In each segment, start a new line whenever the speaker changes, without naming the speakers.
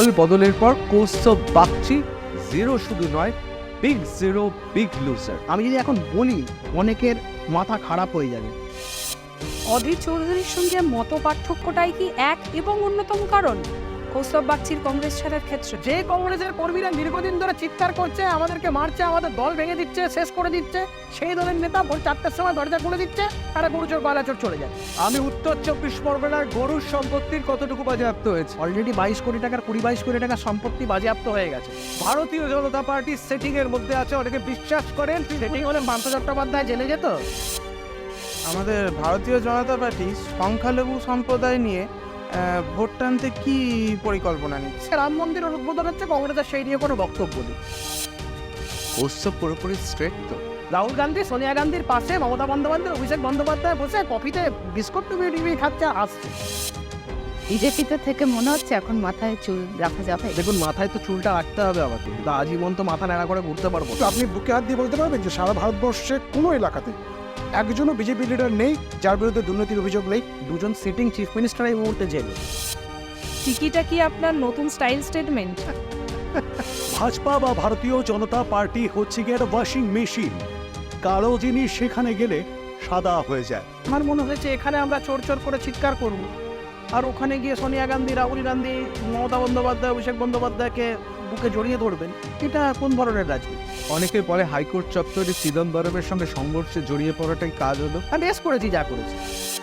দল বদলের পর কৌস্তব বাগচি জিরো শুধু নয়, বিগ জিরো, বিগ লুজার।
আমি যদি এখন বলি অনেকের মাথা খারাপ হয়ে যাবে।
অধীর চৌধুরীর সঙ্গে মত পার্থক্যটাই কি এক এবং অন্যতম কারণ কৌস্তব বাগচির কংগ্রেস ছাড়ার ক্ষেত্রে?
যে কংগ্রেসের কর্মীরা দীর্ঘদিন ধরে চিৎকার করছে, আমাদেরকে মারছে, আমাদের দল ভেঙে দিচ্ছে, শেষ করে দিচ্ছে, সেই দলের নেতা ভোর 4টার সময় দরজা খুলে দিচ্ছে, তারা গরুচোর গলাচোর চলে যায়।
আমি উত্তর 24 পরগনার গরুর সম্পত্তির কতটুকু বাজেয়াপ্ত হয়েছে?
অলরেডি 22 কোটি টাকার 22 কোটি টাকার সম্পত্তি বাজেয়াপ্ত হয়ে গেছে।
ভারতীয় জনতা পার্টি সেটিং এর মধ্যে আছে, অনেকে বিশ্বাস করেন
সেটিং হলে পান্থ চট্টোপাধ্যায় জেলে যেত।
আমাদের ভারতীয় জনতা পার্টি সংখ্যালঘু সম্প্রদায় নিয়ে ভোট টানতে কি পরিকল্পনা নিচ্ছে?
রাম মন্দিরের উদ্বোধন হচ্ছে, কংগ্রেসের সেই নিয়ে কোনো বক্তব্য নেই।
কৌস্তব পুরোপুরি স্ট্রেট তো।
রাহুল গান্ধী সোনিয়া গান্ধীর পাশে মমতা বন্দ্যোপাধ্যায়, অভিষেক বন্দ্যোপাধ্যায় বসে কফিতে বিস্কুট টুবি খাচ্ছে, আসছে।
বিজেপিতে থেকে মনে হচ্ছে এখন মাথায় চুল রাখা যাবে।
দেখুন, মাথায় তো চুলটা রাখতে হবে আমাকে, কিন্তু আজীবন তো মাথা নেড়া করে ঘুরতে পারবো না।
আপনি বুকে হাত দিয়ে বলতে পারবেন যে সারা ভারতবর্ষে কোনো এলাকাতে একজনও বিজেপি লিডার নেই যার বিরুদ্ধে দুর্নীতির অভিযোগ নেই?
দুজন সিটিং চিফ মিনিস্টার এই মুহূর্তে জেলে।
টিকিটা কি আপনার নতুন স্টাইল স্টেটমেন্ট?
ভাজপা বা ভারতীয় জনতা পার্টি হচ্ছে গিয়ে একটা ওয়াশিং মেশিন, কালো জিনিস সেখানে গেলে সাদা হয়ে যায়।
আমার মনে হয়েছে এখানে আমরা চোর চোর করে চিৎকার করব, আর ওখানে গিয়ে সোনিয়া গান্ধী, রাহুল গান্ধী, মমতা বন্দ্যোপাধ্যায়, অভিষেক বন্দ্যোপাধ্যায়কে বুকে জড়িয়ে ধরবেন। এটা কোন ধরনের রাজনীতি?
অনেকে বলে হাইকোর্ট চত্বরে চিদম্বরমের সঙ্গে সংঘর্ষে জড়িয়ে পড়াটাই কাজ হলো।
আমি বেশ করেছি যা করেছি।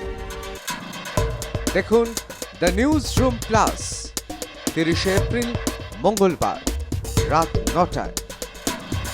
দেখুন the newsroom plus 30 April মঙ্গলবার রাত 9টায়।